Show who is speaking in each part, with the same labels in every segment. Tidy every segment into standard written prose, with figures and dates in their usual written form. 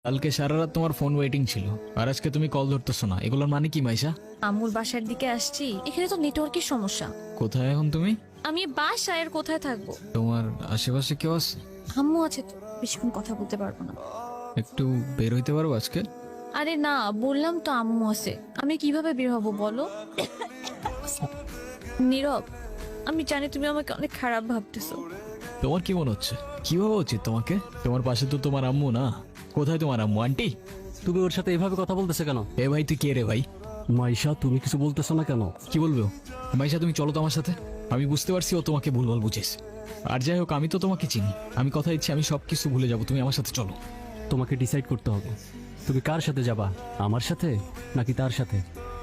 Speaker 1: কালকে সারা রাত তোমার ফোন ওয়েটিং ছিল আর আজকে তুমি কল ধরতেছো না, এগুলোর মানে কি মাইশা?
Speaker 2: আম্মুর বাসার দিকে আসছি, এখানে তো নেটওয়ার্কের সমস্যা।
Speaker 1: কোথায় এখন তুমি?
Speaker 2: আমি বাসায় আর কোথায় থাকবো?
Speaker 1: তোমার আশেপাশে কেউ আছে?
Speaker 2: আম্মু আছে তো, বেশিক্ষণ কথা বলতে পারবো না।
Speaker 1: একটু বের হইতে পারবো আজকে?
Speaker 2: আরে না, বললাম তো আম্মু আছে, আমি কিভাবে বের হবো বলো? নীরব, আমি জানি তুমি আমাকে অনেক খারাপ ভাবতেছো।
Speaker 1: তোমার কি মনে হচ্ছে? কি ভাবা উচিত তোমাকে? তোমার পাশে তো তোমার আম্মু না। কোথায় তোমার আম্মু? আন্টি
Speaker 3: তুমি ওর সাথে এভাবে কথা বলতেছে কেন?
Speaker 1: এ ভাই, তুই কে রে ভাই?
Speaker 3: মাইশা, তুমি কিছু বলতেছো না কেন?
Speaker 1: কি বলবো? মাইশা তুমি চলো তো আমার সাথে। আমি বুঝতে পারছি ও তোমাকে ভুলভাল বুঝেছ। আর যাই হোক, আমি তো তোমাকে চিনি। আমি কথা দিচ্ছি আমি সবকিছু ভুলে যাবো, তুমি আমার সাথে চলো।
Speaker 3: তোমাকে ডিসাইড করতে হবে, তুমি কার সাথে যাবা, আমার সাথে নাকি তার সাথে?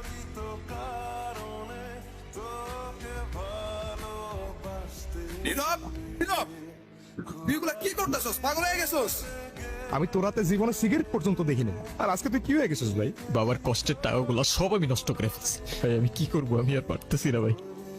Speaker 4: নীরব, নীরব, তুই এগুলা কি করতেছস? পাগল হয়ে গেছস?
Speaker 5: আমি তোর হাতে জীবনে সিগারেট পর্যন্ত দেখিনি, আর আজকে তুই কি হয়ে গেছিস ভাই?
Speaker 1: বাবার কষ্টের টাকাগুলো সব আমি নষ্ট করে ফেলছি ভাই। আমি কি করবো? আমি আর পারতেছি না ভাই।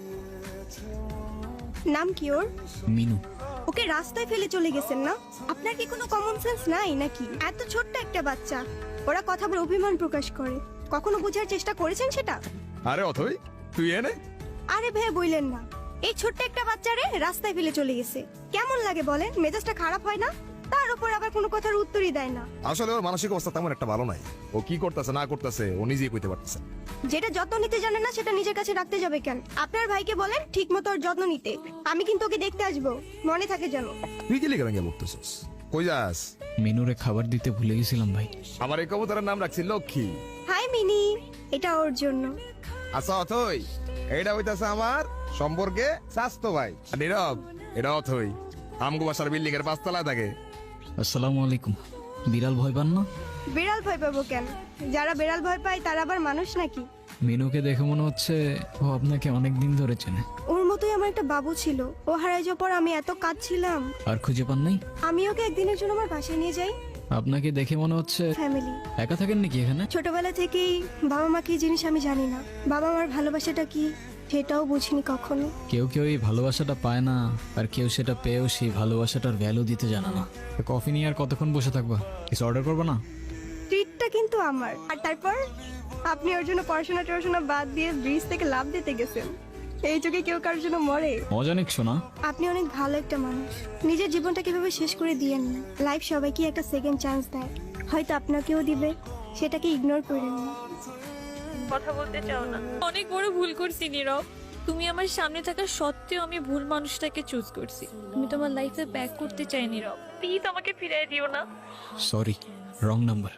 Speaker 6: নাম কি ওর?
Speaker 1: মিনু।
Speaker 6: ওকে রাস্তায় ফেলে চলে গেছেন না? আপনার কি কোনো কমন সেন্স নাই নাকি? এত ছোট্ট একটা বাচ্চা, ওরা কথা বলে অভিমান প্রকাশ করে। কখনো বোঝার চেষ্টা করেছেন সেটা?
Speaker 4: আরে অথই, তুই এনে
Speaker 6: আরে ভাই বললেন না, এই ছোট্ট একটা বাচ্চারে রাস্তায় ফেলে চলে গেছে। কেমন লাগে বলেন? মেজাজটা খারাপ হয় না? তার উপর আবার কোনো কথার উত্তরই দেয় না।
Speaker 4: আসলে ওর মানসিক অবস্থা তেমন একটা ভালো নাই। ও কি করতেছে না করতেছে ও নিজেই কইতে পারতেছে না।
Speaker 6: যেটা যত্ন নিতে জানে না সেটা নিজের কাছে রাখতে যাবে কেন? আপনার ভাইকে বলেন ঠিক মতো ওর যত্ন নিতে। আমি কিন্তু ওকে দেখতে আসবো, মনে থাকে যেন।
Speaker 4: তুই কি লিখে ভেঙে বলতেছস? কই যাস?
Speaker 1: মিনুরে খাবার দিতে ভুলে গেছিলাম ভাই।
Speaker 4: আমার এই কবুতরের নাম রাখছি লক্ষ্মী।
Speaker 6: হাই মিনি, এটা ওর জন্য।
Speaker 4: আচ্ছা অথই, এইটা হইতাছে আমার সম্পর্কে স্বাস্থ্য ভাই। আর নীরব, এটা অথই আমগো বাসার বিল্ডিং এর 5 তলায় থাকে।
Speaker 1: আসসালামু আলাইকুম। বিড়াল ভয় পান না?
Speaker 6: বিড়াল ভয় পাবো কেন? যারা বিড়াল ভয় পায় তারা আবার মানুষ নাকি?
Speaker 1: মিনুকে দেখে মনে হচ্ছে ও আপনাকে অনেক দিন ধরে চেনে।
Speaker 6: ওর মতোই আমার একটা বাবু ছিল, ও হারাই যাওয়ার পর আমি এত কাঁদছিলাম।
Speaker 1: আর খুঁজে পান নাই?
Speaker 6: আমি ওকে একদিনের জন্য আমার বাসায় নিয়ে যাই।
Speaker 1: আপনাকে দেখে মনে হচ্ছে
Speaker 6: ফ্যামিলি।
Speaker 1: একা থাকেন নাকি এখানে?
Speaker 6: ছোটবেলা থেকেই বাবা মা কি জিনিস আমি জানি না। বাবা মার ভালোবাসাটা কি সেটাও বুঝিনি কখনো।
Speaker 1: কেউ কেউ এই ভালোবাসাটা পায় না, আর কেউ সেটা পেয়েও সেই ভালোবাসাটার ভ্যালু দিতে জানে না। কফি নিয়ে আর কতক্ষণ বসে থাকবা? কিছু অর্ডার করবা না?
Speaker 6: ট্রিটটা কিন্তু আমার। আর তারপর আপনি ওর জন্য পড়াশোনা বাদ দিয়ে ব্রিজ থেকে লাফ দিতে গেছেন। এই যুগে কেউ কারোর জন্য মরে?
Speaker 1: মজা নিচ্ছ না?
Speaker 6: আপনি অনেক ভালো একটা মানুষ। নিজের জীবনটা কিভাবে শেষ করে দিয়েন না। লাইফ সবাইকে একটা সেকেন্ড চান্স দেয়, হয়তো আপনাকেও দিবে, সেটাকে ইগনোর করেন না।
Speaker 2: কথা বলতে চাও না? অনেক বড় ভুল করছি নীরব। তুমি আমার সামনে থাকা সত্ত্বেও আমি ভুল মানুষটাকে চুজ করছি। আমি তোমার লাইফে ব্যাক করতে চাই নীরব, প্লিজ আমাকে ফিরিয়ে দিও না।
Speaker 1: Sorry, wrong number.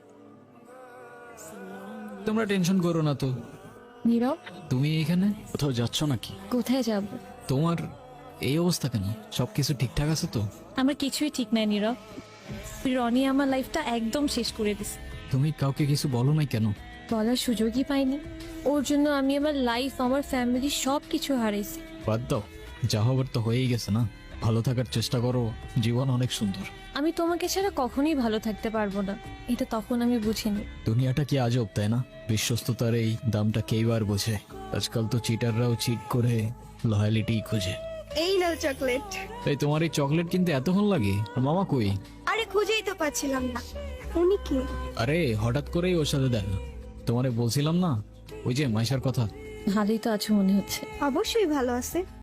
Speaker 1: তোমরা টেনশন করো না তো।
Speaker 2: নীরব,
Speaker 1: তুমি এখানে কোথাও যাচ্ছ নাকি?
Speaker 2: কোথায় যাব?
Speaker 1: তোমার এই অবস্থা কেন? সবকিছু ঠিকঠাক আছে তো?
Speaker 2: আমার কিছুই ঠিক নাই নীরব। রনি আমার লাইফটা একদম শেষ করে দিছে।
Speaker 1: তুমি কাউকে কিছু বলো নাই কেন?
Speaker 2: বলার সুযোগই পাইনি। ওর জন্য আমি আমার লাইফ, আমার ফ্যামিলি সব কিছু হারাইছি।
Speaker 1: বাদ দাও, যা হবার তো হয়েই গেছে না। ভালো থাকার চেষ্টা করো, জীবন অনেক সুন্দর।
Speaker 2: আমি তোমাকে ছাড়া কখনোই ভালো থাকতে পারবো না, এটা তখন আমি বুঝিনি।
Speaker 1: দুনিয়াটা কি আজব, তাই না? বিশ্বস্ততার এই দামটা কেইবার বোঝে? আজকাল তো চিটাররাও চিট করে লয়ালিটি খুঁজে।
Speaker 6: এই নাও চকলেট।
Speaker 1: তাই তোমার এই চকলেট কিনতে এতক্ষণ লাগে? আর মামা কই?
Speaker 6: আরে খুঁজেই তো পাচ্ছিলাম না। উনি কে?
Speaker 1: আরে হঠাৎ করেই ওর সাথে দেখা। তোমারে বলছিলাম না, ওই যে মাইশার কথা।
Speaker 2: ভালোই তো আছো মনে হচ্ছে।
Speaker 6: অবশ্যই ভালো আছে।